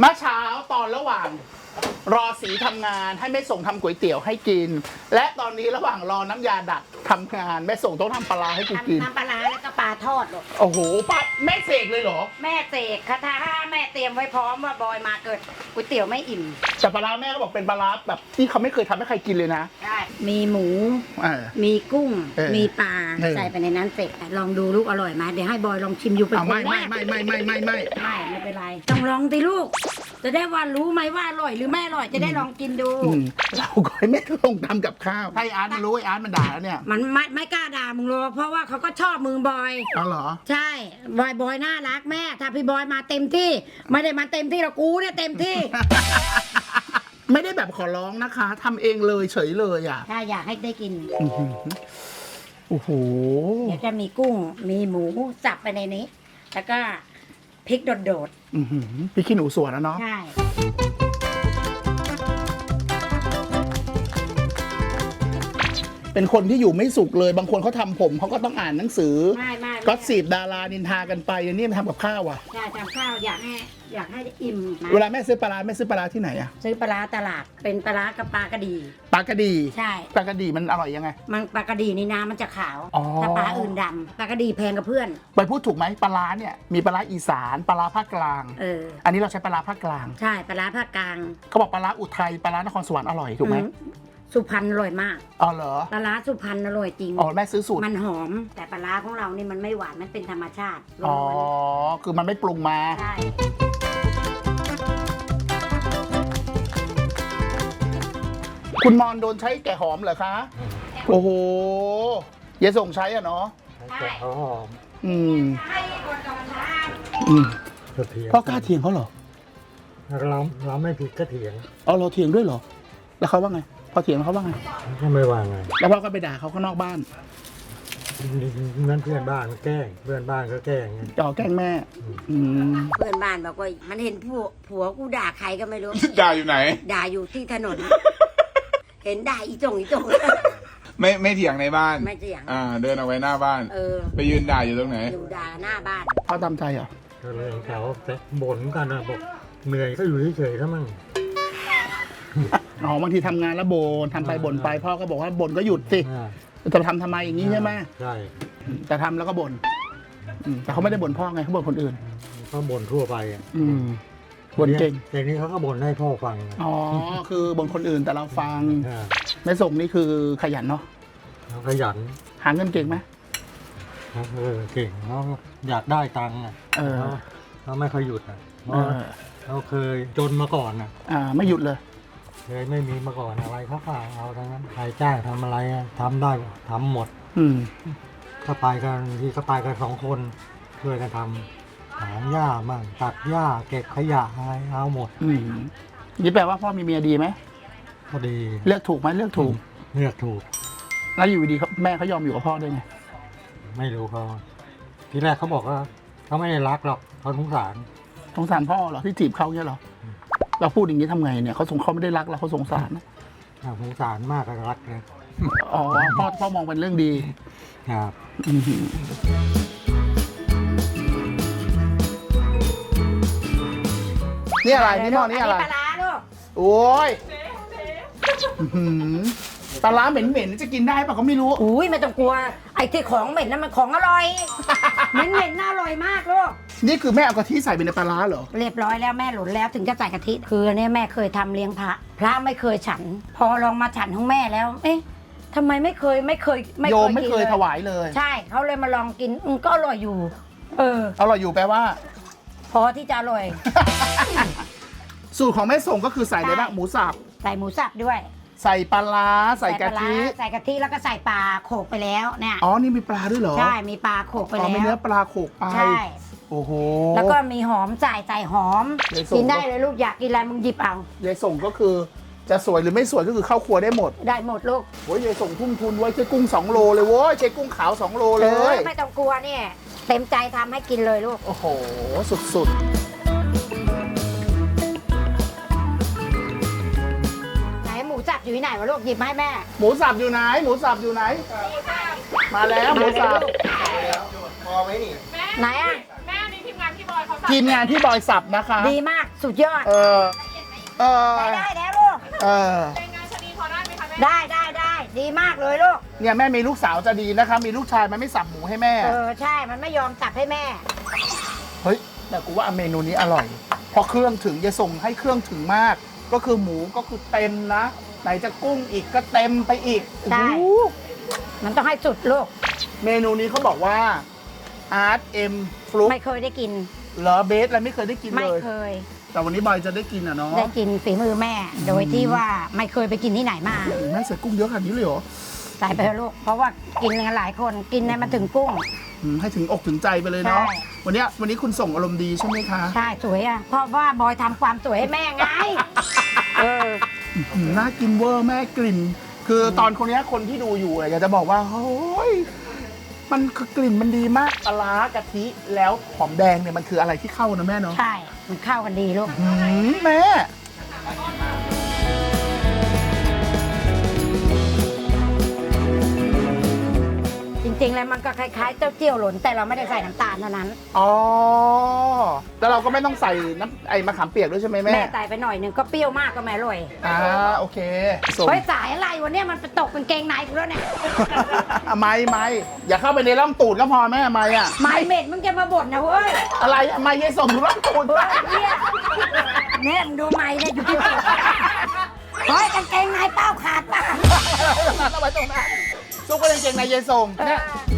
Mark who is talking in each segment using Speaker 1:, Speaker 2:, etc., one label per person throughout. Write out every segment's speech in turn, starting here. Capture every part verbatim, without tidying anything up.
Speaker 1: เมื่อเช้าตอนระหว่างรอสีทำงานให้แม่ส่งทำก๋วยเตี๋ยวให้กิน และตอนนี้ระหว่างรอน้ำยาดัดทำงานแม่ส่งต้องทำปลาร้าให้กูกิน
Speaker 2: น้ำปลาร้าแล้วก็ปลาทอดลูก
Speaker 1: โอ้โหป้าแม่เสกเลยเหรอ
Speaker 2: แม่เสกคาถาแม่เตรียมไว้พร้อมว่าบอยมาเกิดก๋วยเตี๋ยวไม่อิ่ม
Speaker 1: แต่ปลาร้าแม่ก็บอกเป็นปลาร้าแบบที่เขาไม่เคยทำให้ใครกินเลยนะ
Speaker 2: ใช่มีหมู
Speaker 1: เออ
Speaker 2: มีกุ้ง
Speaker 1: เออ
Speaker 2: มีปลา
Speaker 1: เออ
Speaker 2: ใส่ไปในนั้นเสร็จลองดูลูกอร่อยไหมเดี๋ยวให้บอยลองชิมอยู่เป็น
Speaker 1: เอา
Speaker 2: คน
Speaker 1: ไม่
Speaker 2: แร
Speaker 1: ไม่
Speaker 2: ก
Speaker 1: ไม่ไม่ไม่ไม่ไม่
Speaker 2: ไม่ไม่เป็นไรต้องลองสิลูก จะได้ว่ารู้ไหมว่าอร่อยหรือไม่อร่อยจะได้ลองกินดู
Speaker 1: อืมเราก็ให้แม่ลงทำกับข้าวให้อาร์ตมันรู้ไอ้อาร์ตมันด่าแล้วเนี่ย
Speaker 2: มันไม่ไม่กล้าด่ามึงหรอกเพราะว่าเขาก็ชอบมึงบอย
Speaker 1: เอาเหรอ
Speaker 2: ใช่บอยบอยน่ารักแม่ ถ้าพี่บอยมาเต็มที่ ไม่ได้มาเต็มที่หรอกกูเนี่ยเต็มที่
Speaker 1: ไม่ได้แบบขอร้องนะคะทำเองเลยเฉยเลยอ่ะ
Speaker 2: ถ้าอยากให้ได้กิน
Speaker 1: อื้อหือโอ้โห
Speaker 2: เดี๋ยวจะมีกุ้ง มีหมูสับไปในนี้ แล้วก็พริกโดด
Speaker 1: อื้อหือพี่ขี้หนูสวนนะเนาะ
Speaker 2: ๆ ใช่
Speaker 1: เป็นคนที่อยู่ไม่สุขเลยบางคนเขาทำผมเขาก็ต้องอ่านหนังสือ
Speaker 2: ไม่ไม่
Speaker 1: ก็สีบดารานินทากันไปอย่างนี้มันทำกับข้าวอ่ะ
Speaker 2: ใช่ทำข้าวอยากให้อยากให้อิ่มนะ
Speaker 1: เวลาแม่ซื้อปลาร้าแม่ซื้อปลาร้าที่ไหนอ่ะ
Speaker 2: ซื้อปลาร้าตลาด เป็นปลาร้ากับปลากระดี
Speaker 1: ปลากระดี
Speaker 2: ใช่
Speaker 1: ปลากระดีมันอร่อยยังไง
Speaker 2: มันปลากระดีนี่น้ำมันจะขาว
Speaker 1: อ๋อ
Speaker 2: ถ้าปลาอื่นดำปลากระดีแพงกับเพื่อน
Speaker 1: ไปพูดถูกไหมปลาร้าเนี่ยมีปลาร้าอีสานปลาร้าภาคกลาง
Speaker 2: เออ
Speaker 1: อันนี้เราใช้ปลาร้าภาคกลาง
Speaker 2: ใช่ปลาร้าภาคกลาง
Speaker 1: เขาบอกปลาร้าอุทัยปลาร้านครสวรรค์อร่อยถูกไหม
Speaker 2: อืสุพรรณอร่อยมาก
Speaker 1: อ๋อเหรอ
Speaker 2: ปลาร้าสุพรรณอร่อยจริง
Speaker 1: อ๋อแม่ซื้อสูตร
Speaker 2: มันหอม แต่ปลาร้าของเรานี่มันไม่หวานมันเป็นธรรมชาติ
Speaker 1: อ๋อ
Speaker 2: ล้วน
Speaker 1: คือมันไม่ปรุงมา
Speaker 2: ๆใช่
Speaker 1: คุณมอนโดนใช้แกะหอมเหรอคะ โอ้โหยายส่งใช้อ่ะเนาะ
Speaker 2: ใช่
Speaker 3: เขาหอม
Speaker 1: อืม
Speaker 2: ให้คนกำลัง
Speaker 1: อืม
Speaker 3: กระเทียม
Speaker 1: พ่อกล้าเถียงเขาเหรอ
Speaker 3: เราเราไม่ผิดก็เถียง
Speaker 1: เอาเราเถียงด้วยเหรอ แล้วเขาว่าไง พอเถียงเขาว่าไง
Speaker 3: ก็ไม่ว่าไง
Speaker 1: แล้วพ่อก็ไปด่าเขาข้างนอกบ้าน
Speaker 3: นั่นเพื่อนบ้านแกล้งเพื่อนบ้านก็แกล้งไง
Speaker 1: จ่อแกล้งแม่ อืม
Speaker 2: เพื่อนบ้านบอกว่ามันเห็นผัวผัวกูด่าใครก็ไม่รู้
Speaker 4: ด่าอยู่ไหน
Speaker 2: ด่าอยู่ที่ถนน เห็นด่าอีจงอีจง
Speaker 4: ไม่ไม่เถียงในบ้าน
Speaker 2: ไม่เถียง
Speaker 4: อ่า เดินเอาไว้หน้าบ้าน
Speaker 2: เออ
Speaker 4: ไปยืนด่าอยู่ตรงไหน
Speaker 2: อยู่ด่าหน้าบ้าน
Speaker 1: พ่อตามใจเหรอ
Speaker 3: ก็เลยเขาบ่นกันนะบอกเหนื่อยก็อยู่เฉยๆซะมั่ง
Speaker 1: อ๋อบางทีทำงานแล้วบ่นทำไปบ่นไป พ่อก็บอกว่าบ่นก็หยุดสิ
Speaker 3: อ่า
Speaker 1: จะทำทำไมอย่างนี้ใช่ไหม
Speaker 3: ใช่
Speaker 1: แต่ทำแล้วก็บ่นอืมแต่เขาไม่ได้บ่นพ่อไงเขาบ่นคนอื่น
Speaker 3: ก็บ่นทั่วไปอ่ะ
Speaker 1: อืมบ่นเก่ง
Speaker 3: แต่นี้เขาก็บ่นให้พ่อฟัง
Speaker 1: อ๋อ คือบ่นคนอื่นแต่เราฟัง
Speaker 3: อ่า
Speaker 1: แม่ส่งนี่คือขยันเนาะ
Speaker 3: เขาขยัน
Speaker 1: หาเงินเก่งไหม
Speaker 3: เขาเออเก่งเขาอยากได้ตังค์อ่ะ
Speaker 1: เออ
Speaker 3: เขาเขาไม่เคยหยุดอ่ะเพ
Speaker 1: เอ
Speaker 3: ราะ
Speaker 1: อ
Speaker 3: เขาเคยจนมาก่อนอ่ะ
Speaker 1: อ่า ไม่หยุดเลย
Speaker 3: เคยไม่มีมาก่อนอะไรเขาก็เอาทั้งนั้นใครจ้างทำอะไรอะทำได้ทำหมด
Speaker 1: อืม
Speaker 3: ถ้าไปกันที่ก็ไปกันสองคนช่วยกันทำถางหญ้ามั่งตัดหญ้าเก็บขยะอะไรเอาหมด
Speaker 1: อืมนี่แปลว่าพ่อมีเมียดีไหม
Speaker 3: พอดี
Speaker 1: เลือกถูกไหมเลือกถูก
Speaker 3: เลือกถูก
Speaker 1: แล้วอยู่ดีๆเขาแม่เขายอมอยู่กับพ่อได้ไง
Speaker 3: ไม่รู้เขาทีแรกเขาบอกว่าเขาไม่ได้รักหรอกเขาสงสาร
Speaker 1: สงสารพ่อเหรอที่จีบเขาเนี่ยเหรอ เราพูดอย่างนี้ทำไงเนี่ยเขาสงเขาไม่ได้รักเราเขาสงสารนะ
Speaker 3: อ่าสงสารมากก็รักนะ
Speaker 1: อ๋อพ่อพ่อมองเป็นเรื่องดี
Speaker 3: ครับ
Speaker 1: อื้อหือนี่อะไรนี่หม้อนี่อะไร
Speaker 2: นนี้ปลาร้าลูก
Speaker 1: โอ้ยอื้อหือปลาร้าเหม็นๆจะกินได้ป่ะเขาไม่รู้
Speaker 2: อุ้ยไม่ต้องกลัว ไอ้ที่ของเหม็นนั่นมันของอร่อย เหม็นเหม็นน่าอร่อยมากลูก
Speaker 1: นี่คือแม่เอากะทิใส่ไปในปลาร้าเหรอ
Speaker 2: เรียบร้อยแล้วแม่หลุนแล้วถึงจะใส่กะทิ คือเนี่ยแม่เคยทำเลี้ยงพระ พระไม่เคยฉัน พอลองมาฉันของแม่แล้ว เอ๊ะทำไมไม่เคยไม่เคย
Speaker 1: โยมไม่เคย
Speaker 2: กินล
Speaker 1: ถวายเลย
Speaker 2: ใช่เขาเลยมาลองกินอืมก็อร่อยอยู่ เออ
Speaker 1: อร่อยอยู่แปลว่า
Speaker 2: พอที่จะอร่อย
Speaker 1: สูตรของแม่ส่งก็คือใส่อะไรบ้างหมูสับ
Speaker 2: ใส่หมูสับด้วย
Speaker 1: ใส่ปลาร้าใส่กะ
Speaker 2: ปลาร้า
Speaker 1: ทิ
Speaker 2: ใส่กะทิแล้วก็ใส่ปลาโขกไปแล้วเนี่ย
Speaker 1: อ๋อนี่มีปลาด้วยเหรอ
Speaker 2: ใช่มีปลาโขกไป
Speaker 1: อ๋อ
Speaker 2: แล้
Speaker 1: มีเนื้อ
Speaker 2: ว
Speaker 1: ปลาโขกไป
Speaker 2: ใช่
Speaker 1: โอ้โห
Speaker 2: แล้วก็มีหอมใส่ใส่หอม
Speaker 1: เดี๋ยวส่ง
Speaker 2: กินได้เลยลูกอยากกินอะไรมึงหยิบเอา
Speaker 1: ยายส่งก็คือจะสวยหรือไม่สวยก็คือเข้าครัวได้หมด
Speaker 2: ได้หมดลูก
Speaker 1: โอ้ยยายส่งทุ่มทุนไว้ใช้กุ้งสองโลเลยโว้ยใช้กุ้งขาวสองโลเล
Speaker 2: เอย อไม่ต้องกลัวเนี่ยเต็มใจทำให้กินเลยลูก
Speaker 1: โอ้โหสุดๆ
Speaker 2: ไหนหมูสับอยู่ที่ไหนวะลูกหยิบมาให้แม่
Speaker 1: หมูสับอยู่ไหน หมูสับอยู่ไหน มาแล้วหมูสับ
Speaker 2: ไหนอ่ะ
Speaker 5: แม่นี่ทีมงานพี่บอยเขาสั่ง
Speaker 1: ทีมงานที่บอยสับนะคะ
Speaker 2: ดีมากสุดยอด
Speaker 1: เออเออ
Speaker 2: ได้ได้แล้วลูก
Speaker 1: เออ
Speaker 2: ได้ได้ได้ดีมากเลยลูก
Speaker 1: เนี่ยแม่มีลูกสาวจะดีนะคะ มีลูกชายมันไม่สับหมูให้แม่
Speaker 2: เออใช่มันไม่ยอมสับให้แม่
Speaker 1: เฮ้ยแต่กูว่าเมนูนี้อร่อยเพอเครื่องถึงจะส่งให้เครื่องถึงมาก ก็คือหมูก็คือเต็มนะ ไหนจะกุ้งอีกก็เต็มไปอีก
Speaker 2: ใช่
Speaker 1: โอ้โห
Speaker 2: มันต้องให้สุดลูก
Speaker 1: เมนูนี้เขาบอกว่าอาร์ตเอ็มฟลุก
Speaker 2: ไม่เคยได้กิน
Speaker 1: เหรอเบสอะไรไม่เคยได้กิน
Speaker 2: ไม่
Speaker 1: เลย
Speaker 2: เคย
Speaker 1: แต่วันนี้บอยจะได้กินอ่ะเนาะ
Speaker 2: ได้กินฝีมือแม่ โดยที่ว่าไม่เคยไปกินที่ไหนมา
Speaker 1: แม่ใส่กุ้งเยอะขนาดนี้เลยเหรอ
Speaker 2: ใส่ไปเถอะลูก เพราะว่ากินกันหลายคนกินในมันถึงกุ้ง
Speaker 1: อืมให้ถึงอกถึงใจไปเลยเนาะ
Speaker 2: ใช่
Speaker 1: วันเนี้ยวันนี้คุณส่งอารมณ์ดีใช่ไหมคะ
Speaker 2: ใช่สวยอ่ะ เพราะว่าบอยทำความสวยให้แม่ไง เออ
Speaker 1: อืมน่ากินเวอร์แม่กลิ่น คือตอนคนเนี้ยคนที่ดูอยู่อะอยากจะบอกว่าโอ้ยมันคือกลิ่นมันดีมากปลาร้ากะทิแล้วหอมแดงเนี่ยมันคืออะไรที่เข้านะแม่เนาะ
Speaker 2: ใช่ มันเข้ากันดีลูก
Speaker 1: อืมแม่
Speaker 2: จริงๆแล้วมันก็คล้ายๆเจ้าเจี้ยวหล่นแต่เราไม่ได้ใส่น้ำตาลเท่านั้น
Speaker 1: อ๋อแล้วเราก็ไม่ต้องใส่น้ำไอ้มะขามเปียกด้วยใช่ไหมแม่
Speaker 2: แม่ใส่ไปหน่อยหนึงก็เปรี้ยวมากก็ไม่อร่อย
Speaker 1: อ่าโอเคส่ง
Speaker 2: เฮ้ยสายอะไรวันนี้มันไปตกกางเกงในกูแล้วเนี่ย
Speaker 1: ไม่ไม่อย่าเข้าไปในร่องตูดก็พอแม่ไม่อะ
Speaker 2: ไม่เม็ดมึงจะมาบ่นนะเว้ย
Speaker 1: อะไรอะไม่ยัยส่งร่องตูด
Speaker 2: เฮ้ยเนี่ยเนี่ยมึงดูไม่เนี่ยอยู่ที่ตูดเฮ้ยกางเกงในเป้าขาดป่ะ
Speaker 1: เอาไว้ตรงนั้นซุกก็ยังเก่งในยายส่งเนี่ย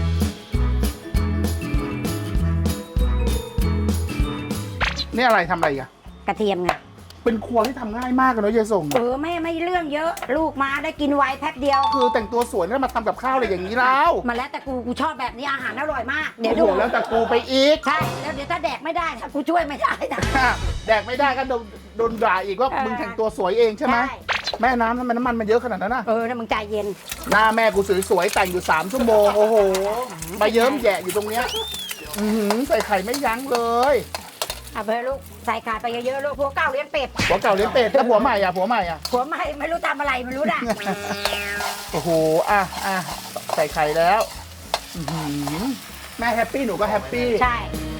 Speaker 1: นี่อะไรทำอะไรอีกอะ
Speaker 2: กระเทียมไง
Speaker 1: เป็นครัวที่ทำง่ายมากเลยเนอะยายส่ง
Speaker 2: เออแม่ไม่เรื่องเยอะ ลูกมาได้กินไวแป๊บเดียว
Speaker 1: คือแต่งตัวสวยแล้วมาทำกับข้าวอะไรอย่างนี้แล้ว
Speaker 2: มาแล้วแต่กูกูชอบแบบนี้อาหารอร่อยมาก เดี๋
Speaker 1: เดี๋
Speaker 2: ย
Speaker 1: ยว ว
Speaker 2: ดู
Speaker 1: แล้วแต่กูไปอีก
Speaker 2: ใช่แล้วเดี๋ยวถ้าแดกไม่ได้นะกูช่วยไม่ได้นะ
Speaker 1: แดกไม่ได้ก็โดนโดนด่าอีกว่า
Speaker 2: เออ
Speaker 1: มึงแต่งตัวสวยเองใช่ไหม
Speaker 2: ใช่
Speaker 1: แม่น้ำทำไมน้ำมันมันเยอะขนาดนั้นน่ะ
Speaker 2: เออแล้วมึงใจเย็น
Speaker 1: หน้าแม่กูสวยๆแต่งอยู่สามชั่วโมงโอ้โหมาเยิ้มแยะอยู่ตรงเนี้ยอื้อหือใส่ไข่ไม่ยั้งเลย
Speaker 2: เอาไปลูกใส่ขาดไปเยอะๆลูกผัวเก่าเลี้ยงเป็ด
Speaker 1: ผัวเก่าเลี้ยงเป็ดแล้วผัวใหม่อ่ะผัวใหม่อ่ะ
Speaker 2: ผัวใหม่ไม่รู้ทำอะไรไม่รู้น่ะ
Speaker 1: โอ้โห อ่ะอ่ะใส่ไข่แล้วอื้อหือแม่แฮปปี้หนูก็แฮปปี้
Speaker 2: ใช่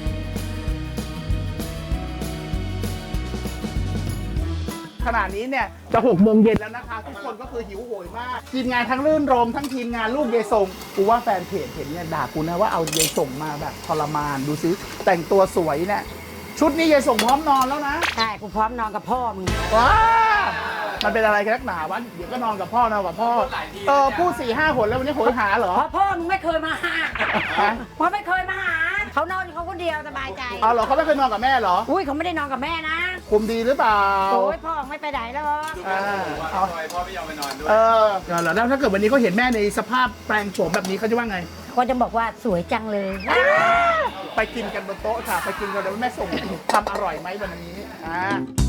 Speaker 1: ขณะนี้เนี่ยจะหกโมงเย็นแล้วนะคะ ทุกคนก็คือหิวโหยมาก ทีมงานทั้งรื่นรมทั้งทีมงานลูกเยายส่งกูว่าแฟนเพจเห็นเนี่ยด่ากูนะว่าเอาเยายส่งมาแบบทรมานดูซิแต่งตัวสวยเนี่ยชุดนี้เยายส่งพร้อมนอนแล้วนะ
Speaker 2: ใช่กูพร้อมนอนกับพ่อมึง
Speaker 1: ว้ามันเป็นอะไรกันนักหนาวะเดี๋ยวก็นอนกับพ่อนอนกับพ่อเออพูดสี่ห้าหนแล้ววันนี้โหยหาเหรอ
Speaker 2: เพราะพ่อมึงไม่เคยมาหา
Speaker 1: ฮะ
Speaker 2: เพราะไม่เคยมาหาเขานอนอยู่เขาคนเดียวสบายใจ
Speaker 1: เอาเหรอเขาไม่เคยนอนกับแม่เหรอ
Speaker 2: อุ้ยเขาไม่ได้นอนกับแม่นะ
Speaker 1: คุมดีหรือเปล่า
Speaker 2: โอ้ยพ่อไม่ไปไหนแล้ว
Speaker 1: อ่าเอาพ่อไม่ยอมไปนอนด้วย เออแล้วแล้วถ้าเกิดวันนี้เขาเห็นแม่ในสภาพแปลงโฉมแบบนี้เขาจะว่าไง
Speaker 2: ก็จะบอกว่าสวยจังเลย
Speaker 1: ไปกินกันบนโต๊ะค่ะ ไปกินกันเดี๋ยวแม่ส่งทำอร่อยไหมวันนี้ อ่า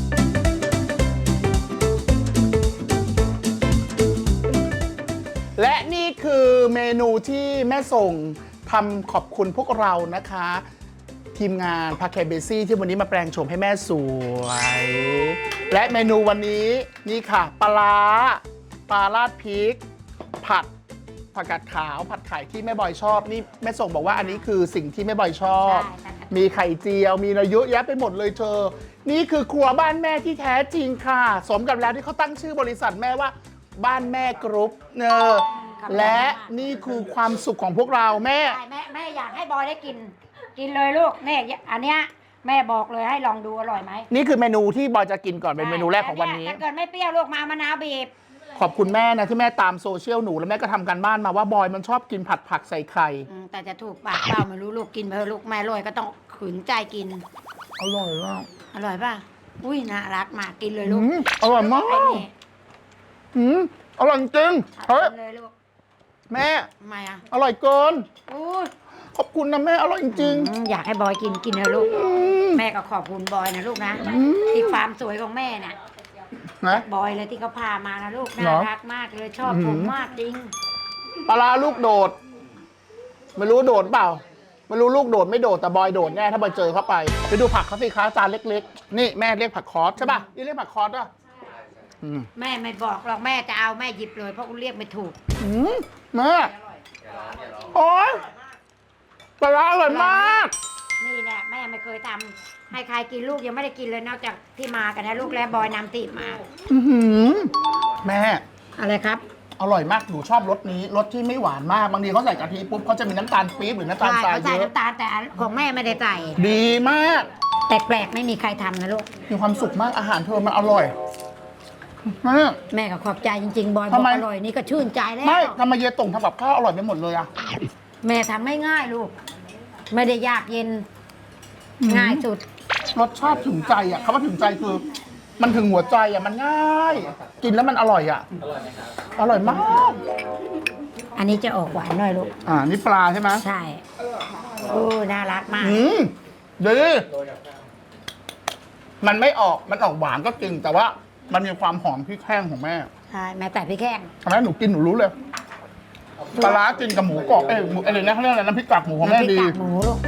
Speaker 1: และนี่คือเมนูที่แม่ส่งทำขอบคุณพวกเรานะคะ ทีมงานพาแคเบซี่ที่วันนี้มาแปลงโฉมให้แม่สวย และเมนูวันนี้นี่ค่ะปลาร้าปลาราดพริก ผัดผักกาดขาวผัดไข่ที่แม่บอยชอบนี่แม่ส่งบอกว่าอันนี้คือสิ่งที่แม่บอยชอบ
Speaker 2: ใช่
Speaker 1: มีไข่เจียวมีอะไรเยอะแยะไปหมดเลยเธอ นี่คือครัวบ้านแม่ที่แท้จริงค่ะ สมกับแล้วที่เขาตั้งชื่อบริษัทแม่ว่าบ้านแม่กรุ๊ปเนอและนี่คือความสุขของพวกเราแม่
Speaker 2: ใช่แม่แม่อยากให้บอยได้กิน กินเลยลูกเนี่ยอันเนี้ยแม่บอกเลยให้ลองดูอร่อยไหม
Speaker 1: นี่คือเมนูที่บอยจะกินก่อนเป็นเมนูแรกของวันนี้
Speaker 2: ถ้าเกิดไม่เปรี้ยวลูกมามะนาวบีบ
Speaker 1: ขอบคุณแม่นะที่แม่ตามโซเชียลหนูแล้วแม่ก็ทำการบ้านมาว่าบอยมันชอบกินผัดผักใส่ไข่
Speaker 2: อืมแต่จะถูกปากเปล่าไม่รู้ลูกกินไปเถอะลูกแม่รวยก็ต้องขืนใจกิน
Speaker 1: อร่อยมาก
Speaker 2: อร่อยป่ะอุ้ยน่ารักมากกินเลยลูก
Speaker 1: อืมอร่อยมา
Speaker 2: ไอ้
Speaker 1: ก
Speaker 2: นี่
Speaker 1: อืมอร่อยจริงเฮ้ย
Speaker 2: กินเลยลูก
Speaker 1: แม่
Speaker 2: ทำไมอ่ะ
Speaker 1: อร่อยเกิน
Speaker 2: อุ้ย
Speaker 1: ขอบคุณนะแม่อร่อยจริง
Speaker 2: อืมอยากให้บอยกินกินเถอะลูก
Speaker 1: อืม
Speaker 2: แม่ก็ขอบคุณบอยนะลูกนะ
Speaker 1: อืม
Speaker 2: ที่ความสวยของแม่น่ะ
Speaker 1: นะ
Speaker 2: บอยเลยที่เขาพามานะลูก
Speaker 1: เหร
Speaker 2: น่า
Speaker 1: อ
Speaker 2: รักมากเลยชอบ
Speaker 1: อืม
Speaker 2: ผมมากจริง
Speaker 1: ปลาร้าลูกโดด ไม่รู้โดดเปล่า ไม่รู้ลูกโดดไม่โดดแต่บอยโดดแน่ถ้าบอยเจอเข้าไป ไปดูผักเขาสิคะจานเล็กๆ นี่แม่เรียกผักคอสใช่ป่ะนี่เรียกผักคอสป่ะอืม
Speaker 2: แม่ไม่บอกหรอกแม่จะเอาแม่หยิบเลยเพราะกูเรียกไม่ถูก
Speaker 1: อืมแม่โอ๊ยปลาร้าอร่อยมาก
Speaker 2: นี่แหละแม่ไม่เคยทำให้ใครกินลูกยังไม่ได้กินเลยนอกจากที่มากันนะลูกและบอยนำติมา
Speaker 1: อื้อหือแม่
Speaker 2: อะไรครับ
Speaker 1: อร่อยมากหนูชอบรสนี้รสที่ไม่หวานมากบางทีเขาใส่กะทิปุ๊บเขาจะมีน้ำตาลปี๊บหรือน้ำตาล
Speaker 2: ใช่
Speaker 1: ทราย
Speaker 2: เขาใส่
Speaker 1: เยอะ
Speaker 2: น้ำตาลแต่ของแม่ไม่ได้ใส่
Speaker 1: ดีมาก
Speaker 2: แต่แปลกไม่มีใครทำนะลูก
Speaker 1: มีความสุขมากอาหารเธอมันอร่อยแม่
Speaker 2: แม่ก็ขอบใจจริงๆ บอยบ
Speaker 1: ทำ
Speaker 2: อก
Speaker 1: ไม
Speaker 2: อร่อยนี่ก็ชื่นใจแล้ว
Speaker 1: ไม่ทำไมเยตงทำกับข้าวอร่อยไปหมดเลยอะ
Speaker 2: แม่ทำไม่ง่ายลูก ไม่ได้ยากเย็นง่ายสุด
Speaker 1: รสชาติถึงใจอะคำว่าถึงใจคือ มันถึงหัวใจอะมันง่าย กินแล้วมันอร่อยอะอร่อยมาก
Speaker 2: อันนี้จะออกหวานหน่อยลูก
Speaker 1: อ่านี่ปลาใช่ไหม
Speaker 2: ใช่โอ้น่ารักมาก
Speaker 1: อืมดีมันไม่ออกมันออกหวานก็จริง แต่ว่ามันมีความหอมพริกแห้งของแม่
Speaker 2: ใช่แม่แต่พี่แข้ง
Speaker 1: ทำให้หนูกินหนูรู้เลยปลาร้ากินกับหมูกรอบเอ้ยหมูอะไรนะเขาเรียกอะไรน้ำพริกกากหมูของแม่
Speaker 2: น้ำพริก
Speaker 1: ดี
Speaker 2: กากหมูลูก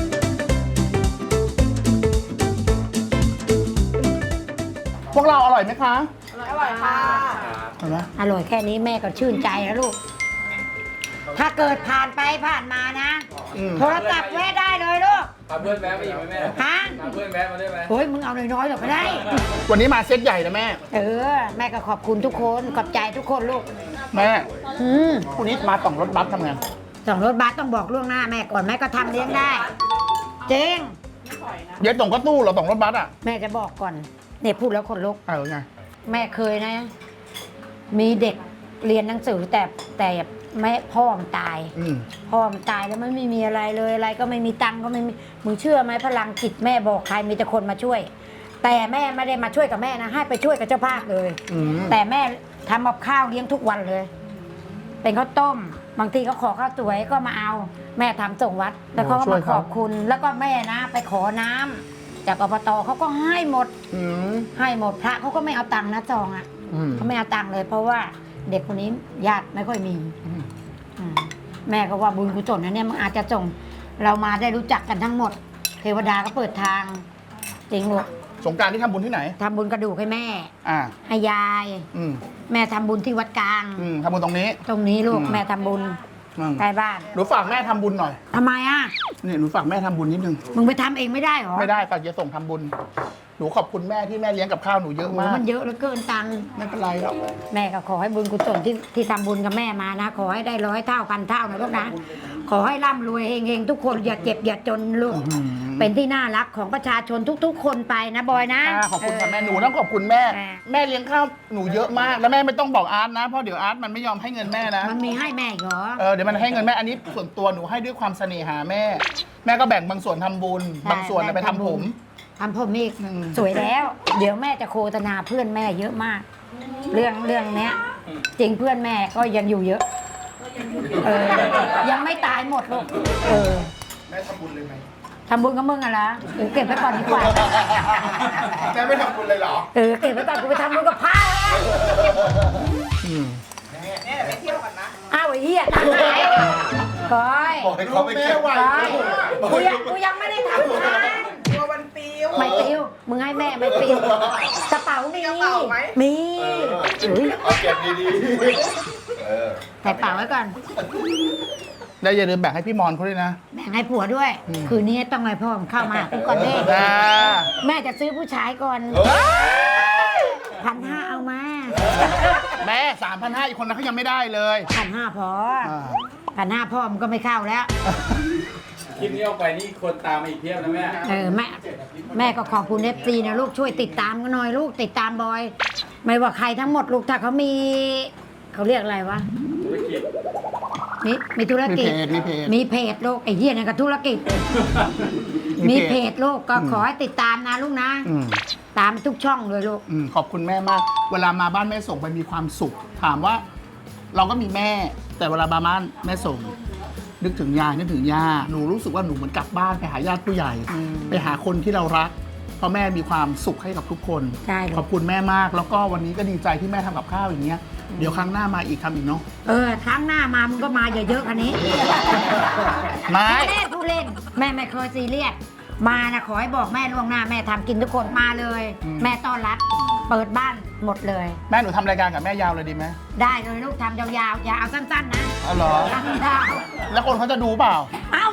Speaker 1: พวกเราอร่อยไหมคะ
Speaker 5: อร่อยค่ะ
Speaker 1: เห็นไหม
Speaker 2: อร่อยแค่นี้แม่ก็ชื่นใจแล้วลูก ถ้าเกิดผ่านไปผ่านมานะ
Speaker 1: อืม
Speaker 2: โทรศัพท์แวะได้เลยลูก
Speaker 6: พาเพื่อนแวะมาอีกไหมแม่
Speaker 2: ฮะ
Speaker 6: พาเพื่อนแวะมาได้ไหม
Speaker 2: โอ้ยมึงเอาน้อยๆหรอกก็ได้
Speaker 1: วันนี้มาเซตใหญ่นะแม่
Speaker 2: เออ แม่ก็ขอบคุณทุกคนขอบใจทุกคนลูก
Speaker 1: แม่
Speaker 2: อืม
Speaker 1: พรุ่งนี้มาต่องรถบัสทำไง
Speaker 2: สองรถบัสต้องบอกล่วงหน้าแม่ก่อนแม่ก็ทำเลี้ยงได้เจ๊ง
Speaker 1: เดี๋ยวต่องก็ตู้เหรอต่องรถบัสอ่ะ
Speaker 2: แม่จะบอกก่อนเนี่ยพูดแล้วคนลุก
Speaker 1: เออไง
Speaker 2: แม่เคยนะ มีเด็กเรียนหนังสือแต่แต่แม่พ่อมันตาย
Speaker 1: อืม
Speaker 2: พ่อมันตายแล้วมันไม่มีอะไรเลยอะไรก็ไม่มีตังค์ก็ไม่มีมึงเชื่อไหมพลังจิตแม่บอกใครมีแต่คนมาช่วย แต่แม่ไม่ได้มาช่วยกับแม่นะให้ไปช่วยกับเจ้าภาพเลย
Speaker 1: อืม
Speaker 2: แต่แม่ทำกับข้าวเลี้ยงทุกวันเลย เป็นข้าวต้ม บางทีเขาขอข้าวสวยก็มาเอา แม่ทำส่งวัด แล้วเขาก็มาขอบคุณ แล้วก็แม่นะ ไปขอน้ำจากอบตเขาก็ให้หมด
Speaker 1: อืม
Speaker 2: ให้หมดพระเขาก็ไม่เอาตังค์นะจองอ่ะ
Speaker 1: อืม
Speaker 2: เขาไม่เอาตังค์เลย เพราะว่าเด็กคนนี้ญาติไม่ค่อยมี
Speaker 1: อืม
Speaker 2: อืมแม่ก็ว่าบุญกุศลนะเนี่ยมันอาจจะส่งเรามาได้รู้จักกันทั้งหมด เทวดาก็เปิดทางจริงลูก
Speaker 1: สงกรารที่ทำบุญที่ไหน
Speaker 2: ทำบุญกระดูกให้แม่
Speaker 1: อ่า
Speaker 2: ให้ยาย
Speaker 1: อืม
Speaker 2: แม่ทำบุญที่วัดกลาง
Speaker 1: อืมทำบุญตรงนี้
Speaker 2: ตรงนี้ลูก
Speaker 1: อืม
Speaker 2: แม่ทำบุญ
Speaker 1: อืม
Speaker 2: ใกล้บ้าน
Speaker 1: หนูฝากแม่ทำบุญหน่อย
Speaker 2: ทำไมอ่ะ
Speaker 1: นี่หนูฝากแม่ทำบุญนิดนึง
Speaker 2: มึงไปทำเองไม่ได้เหรอ
Speaker 1: ไม่ได้ฝากเยส่งทำบุญ หนูขอบคุณแม่ที่แม่เลี้ยงกับข้าวหนูเยอะ
Speaker 2: โอ้
Speaker 1: มาก
Speaker 2: มันเยอะเหลือเกินตังค์
Speaker 1: ไม่เป็นไรหรอก
Speaker 2: แม่ก็ขอให้บุญกุศลที่ที่ทำบุญกับแม่มานะ ขอให้ได้ร้อยเท่าพันเท่านะลูกนะ ขอให้ร่ำรวยเฮงๆทุกคนอย่าเจ็บอย่าจนลูก
Speaker 1: อื้อหือ
Speaker 2: เป็นที่น่ารักของประชาชนทุกๆ คนไปนะบอยนะ
Speaker 1: อ่าขอบคุณค่ะ
Speaker 2: เ
Speaker 1: แม่หนูต้องขอบคุณแม่
Speaker 2: แม่
Speaker 1: แม่เลี้ยงข้าวหนูเยอะมาก แล้วแม่ไม่ต้องบอกอาร์ตนะ เพราะเดี๋ยวอาร์ตมันไม่ยอมให้เงินแม่นะ
Speaker 2: มันมีให้แม่อีกเหรอ
Speaker 1: เออเดี๋ยวมันให้เงินแม่ อันนี้ส่วนตัวหนูให้ด้วยความเสน่หาแม่ แม่ก็แบ่งบางส่วนทำบุญ
Speaker 2: ใช่
Speaker 1: บางส่วนน่ะไป
Speaker 2: แบ่ง
Speaker 1: ทำ
Speaker 2: ทำบุ
Speaker 1: ผ
Speaker 2: ญ
Speaker 1: ม
Speaker 2: ทำผมอีก
Speaker 1: อืม
Speaker 2: สวยแล้ว เดี๋ยวแม่จะโฆษณาเพื่อนแม่เยอะมาก เรื่องเรื่องเนี้ย จริงเพื่อนแม่ก็ยังอยู่เยอะ เออ ยังไม่ตายหมดลูกเออ
Speaker 1: แม่ทำบุญเลยไหม
Speaker 2: ทำบุญกับมึงอะละเออเก็บไว้ก่อนดีกว่า
Speaker 1: แม่ไม่ทำบุญเลยเหรอ
Speaker 2: เออเก็บไว้ก่อนกูไปทำบุญกับพระแล้ว
Speaker 1: อืม
Speaker 5: แม่เดี๋ยวไปเที่ยวก่อนนะ
Speaker 2: อ้าวไอ้เหี้ยตังค์ไหนก้อย
Speaker 1: บอกให้เขาไปเก็บไว้
Speaker 2: ก้อยกูยังกูยังไม่ได้ทำทาน
Speaker 5: ตัวมันปิว
Speaker 2: ไม่ปิวมึงให้แม่ไม่ปิวกระเป๋ามี
Speaker 5: มีกระเป๋าไหม
Speaker 2: มีอุ๊ย
Speaker 4: เอาเก็บดีๆ เออ
Speaker 2: ใส่เป๋าไว้ก่อน
Speaker 1: แล้วอย่าลืมแบ่งให้พี่มอนเขาด้วยนะ
Speaker 2: แบ่งให้ผัวด้วย คืนนี้ต้องให้พ่อมเข้ามากูก่อนเด้
Speaker 1: อ่า
Speaker 2: แม่จะซื้อผู้ชายก่อนพันห้าเอามา
Speaker 1: แม่สามพันห้าอีกคนนั้นเขายังไม่ได้เลย
Speaker 2: พันห้าพอ
Speaker 1: อ่า
Speaker 2: พันห้าพ่อมันก็ไม่เข้าแล้ว
Speaker 6: คลิปนี้ออกไปนี่คนตามมาอีกเพียบนะแม่
Speaker 2: เออแม่แม่ก็ขอบคุณเอฟซีนะลูกช่วยติดตามกันหน่อยลูกติดตามบอย ไม่ว่าใครทั้งหมดลูกถ้าเขามีเขาเรียกอะไรวะ
Speaker 6: ธุรกิจ
Speaker 2: มีมีธุร
Speaker 1: มี
Speaker 2: กิ
Speaker 1: เพ
Speaker 2: จ
Speaker 1: จมีเพจ
Speaker 2: มีเพจลูกไอ้เหี้ยนั่นก็ธุรกิจ มีเพจลูกก็ขอให้ติดตามนะลูกนะ
Speaker 1: อืม
Speaker 2: ตามทุกช่องเลยลูก
Speaker 1: อืมขอบคุณแม่มาก เวลามาบ้านแม่ส่งไปมีความสุข ถามว่า เราก็มีแม่ แต่เวลามาบ้านแม่ส่ง นึกถึงยายนึกถึงย่าหนูรู้สึกว่าหนูเหมือนกลับบ้านไปหาญาติผู้ใหญ่
Speaker 2: อืม
Speaker 1: ไปหาคนที่เรารักเพราะแม่มีความสุขให้กับทุกคน
Speaker 2: ใช่ลูก
Speaker 1: ขอบคุณแม่มาก แล้วก็วันนี้ก็ดีใจที่แม่ทำกับข้าวอย่างเงี้ยเดี๋ยวครั้งหน้ามาอีกทำอีกเนาะ
Speaker 2: เออครั้งหน้ามามึงก็มาเยอะๆคันนี้
Speaker 1: ไม่
Speaker 2: แม่ผู้เล่น แม่ไม่เคยซีเรียสมานะขอให้บอกแม่ล่วงหน้าแม่ทำกินทุกคนมาเลย แม่ต้อนรับ เปิดบ้านหมดเลย
Speaker 1: แม่หนูทำรายการกับแม่ยาวเลยดีไหม
Speaker 2: ได้เลยลูกทำยาวๆอย่าเอาสั้นๆนะ
Speaker 1: อ๋อเหรอ
Speaker 2: สั้นๆ
Speaker 1: แล้วคนเขาจะดูเปล่า
Speaker 2: เอ้า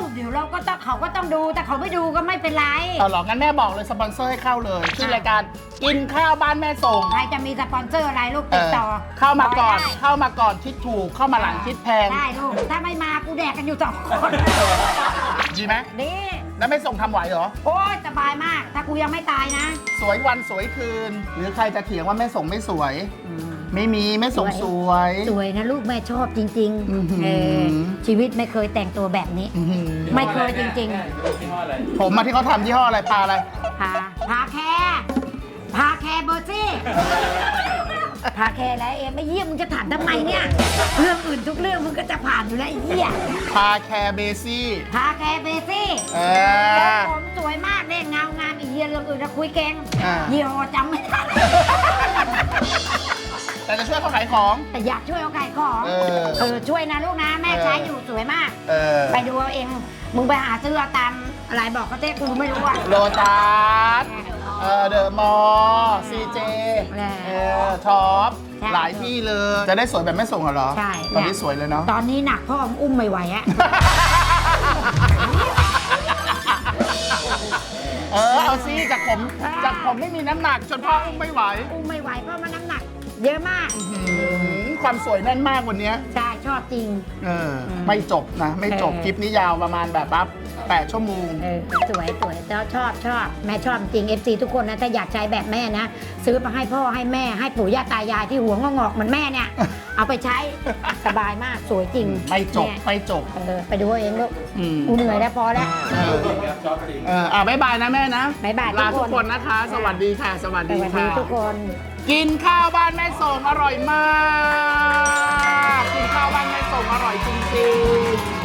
Speaker 2: เดี๋ยวเราก็ต้องเขาก็ต้องดูแต่เขาไม่ดูก็ไม่เป็นไร
Speaker 1: เอาหรองั้นแม่บอกเลยสปอนเซอร์ให้เข้าเลยชื่อรายการกินข้าวบ้านแม่ส่ง
Speaker 2: ใครจะมีสปอนเซอร์อะไรลูก
Speaker 1: เอ
Speaker 2: ติด
Speaker 1: อ
Speaker 2: ต่อ
Speaker 1: เข้ามาก่อน
Speaker 2: ได้
Speaker 1: เข้ามาก่อนคิดถูกเข้ามาหลังคิดแพง
Speaker 2: ได้ลูกถ้าไม่มากูแดกกันอยู่สองคน
Speaker 1: ดีไหม
Speaker 2: ดี
Speaker 1: แล้วแม่ส่งทำไหวเหรอ
Speaker 2: โอ้ยสบายมาก ถ้ากูยังไม่ตายนะ
Speaker 1: สวยวันสวยคืน หรือใครจะเถียงว่าแม่ส่งไม่สวย ไม่มีแม่ส่งสวย
Speaker 2: สวยนะลูกแม่ชอบจริง
Speaker 1: อื้อหือ
Speaker 2: ๆเออชีวิตไม่เคยแต่งตัวแบบนี้
Speaker 1: อื้อหือ
Speaker 2: ไม่เคยจริง
Speaker 6: ยี่ห้ออะไร
Speaker 1: ผมมาที่เขาทำยี่ห้ออะไรปลาอะไร
Speaker 2: ๆพาพาแคร์พาแคร์เบอร์ซี่พาแคร์แล้วเอ็มไม่เยี่ยมมึงจะถามทำไมเนี่ยเรื่องอื่นทุกเรื่องมึงก็จะผ่านอยู่แล้วไอ้เหี้ย
Speaker 1: พาแคร์เบซี่
Speaker 2: พาแคร์เบอร์ซี่
Speaker 1: เอ
Speaker 2: ทรง
Speaker 1: อ
Speaker 2: ผมสวยมากเนี่ยเงางามอีเหี้ยเรื่องอื่นจะคุยเก่ง
Speaker 1: อ่า
Speaker 2: ยี่ห้อจำไม่ได้
Speaker 1: แต่จะช่วยเขาขายของ
Speaker 2: แต่อยากช่วยเอาไก่ของ
Speaker 1: เออ
Speaker 2: เออช่วยนะลูกนะแม่
Speaker 1: เออ
Speaker 2: ใช้อยู่สวยมาก
Speaker 1: เออ
Speaker 2: ไปดูเอาเอง มึงไปหาซื้อเอาตามอะไรบอกก็เต้กูไม่รู้อ่ะ
Speaker 1: โลตัสเออเดอะมอลล์ซีเจ
Speaker 2: แหละ
Speaker 1: เออท็อป
Speaker 2: ใช่
Speaker 1: หลายที่เลย จะได้สวยแบบแม่ส่งเหรอ
Speaker 2: ใช่
Speaker 1: ตอนนี้สวยเลยเนาะ
Speaker 2: ตอนนี้หนักพ่อมึงอุ้มไม่ไหวอะ
Speaker 1: เออ เอาซิจากผมจากผมไม่มีน้ำหนักจนพ่ออุ้มไม่ไหว
Speaker 2: อุ้มไม่ไหวเพราะมันน้ำหนัก เยอะมาก
Speaker 1: หืมความสวยแน่นมากวันเนี้ย
Speaker 2: ใช่ชอบจริง
Speaker 1: เออ ไม่จบนะ ไม่จบ
Speaker 2: เออ
Speaker 1: คลิปนี้ยาวประมาณแบบปั๊บแปดชั่วโมง
Speaker 2: เออสวยสวยแล้วชอบชอบแม่ชอบจริง เอฟ ซี ทุกคนนะถ้าอยากใช้แบบแม่นะ ซื้อมาให้พ่อให้แม่ให้ปู่ย่าตายายที่หัวงอกๆเหมือนแม่เนี่ย เอาไปใช้สบายมากสวยจริง
Speaker 1: ไม่จบ
Speaker 2: เนี่ย
Speaker 1: ไม่จบ
Speaker 2: เออไปดูเอาเองลูก
Speaker 1: อืม
Speaker 2: กูเหนื่อยแล้วพอแล้ว
Speaker 1: เออ
Speaker 6: ชอบจริง
Speaker 1: เอออ่ะบ๊ายบายนะแม่นะ
Speaker 2: บ๊ายบาย
Speaker 1: ลา
Speaker 2: ทุ
Speaker 1: ทุ
Speaker 2: ก
Speaker 1: ก
Speaker 2: คน
Speaker 1: คนนะคะ สวัสดีค่ะ สวัส
Speaker 2: ส
Speaker 1: ดี
Speaker 2: วัสดี
Speaker 1: ค่ะ
Speaker 2: ทุกคน
Speaker 1: กินข้าวบ้านแม่ส่งอร่อยมาก กินข้าวบ้านแม่ส่งอร่อยจริงๆ